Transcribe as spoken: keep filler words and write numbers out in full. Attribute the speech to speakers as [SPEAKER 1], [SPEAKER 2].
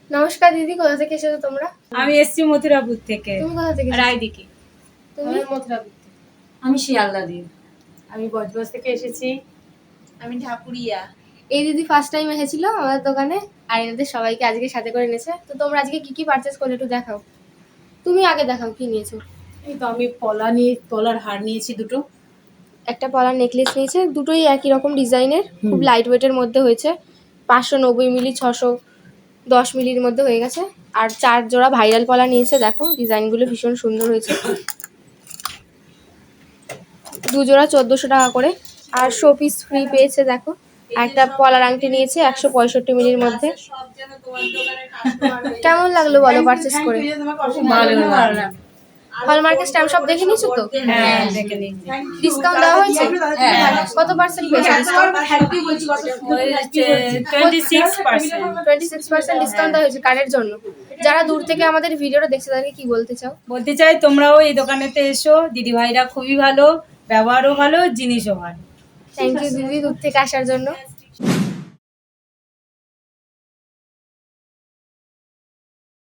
[SPEAKER 1] নমস্কার দিদি, কোথা থেকে এসেছো তোমরা?
[SPEAKER 2] আমি এসছি মথুরাপুর থেকে।
[SPEAKER 1] তুমি কোথা থেকে?
[SPEAKER 2] রায়দিঘি।
[SPEAKER 1] তুমি?
[SPEAKER 2] মথুরাপুর থেকে।
[SPEAKER 3] আমি শিয়ালদা দিয়ে।
[SPEAKER 2] আমি বজবজ থেকে এসেছি।
[SPEAKER 3] আমি ঢাকুরিয়া।
[SPEAKER 1] এই দিদি ফার্স্ট টাইম এসেছিল আমাদের দোকানে, আর এদের সবাইকে আজকে সাথে করে নিয়েছে। তো তোমরা আজকে কি কি পারচেজ করলে একটু দেখাও। তুমি আগে দেখাও কি নিয়েছো।
[SPEAKER 3] এই তো আমি পলা নিয়ে পলার হার নিয়েছি দুটো।
[SPEAKER 1] একটা পলার নেকলেস নিয়েছে, দুটোই একই রকম ডিজাইনের, খুব লাইট ওয়েটের মধ্যে হয়েছে। পাঁচশো নব্বই মিলি, ছশো দশ মিলির মধ্যে হয়ে গেছে। আর চার জোড়া ভাইরাল পলা নিয়েছে, দেখো ডিজাইনগুলো ভীষণ সুন্দর হয়েছে। দু জোড়া চোদ্দোশো টাকা করে। আর শো পিস ফ্রি পেয়েছে, দেখো। আর একটা পলার আংটি নিয়েছে একশো পঁয়ষট্টি মিলির মধ্যে। কেমন লাগলো বলো পারচেস করে?
[SPEAKER 3] ভালো ভালো।
[SPEAKER 1] হলমার্কের স্ট্যাম্প সব দেখে নিয়েছো তো?
[SPEAKER 2] হ্যাঁ দেখে নিই।
[SPEAKER 1] ডিসকাউন্ট দেওয়া হয়েছে?
[SPEAKER 3] হ্যাঁ।
[SPEAKER 1] কত পার্সেন্ট পেয়েছে discount?
[SPEAKER 2] Twenty six percent.
[SPEAKER 1] Twenty six percent discount দেওয়া হয়েছে কার্ডের জন্য। যারা দূর থেকে আমাদের ভিডিওটা দেখছে তাদেরকে কি বলতে চাও?
[SPEAKER 2] বলতে চাই তোমরাও এই দোকানেতে এসো, দিদি ভাইরা খুবই ভালো, ব্যবহারও ভালো, জিনিসও ভালো।
[SPEAKER 1] থ্যাংক ইউ দিদি দূর থেকে আসার জন্য।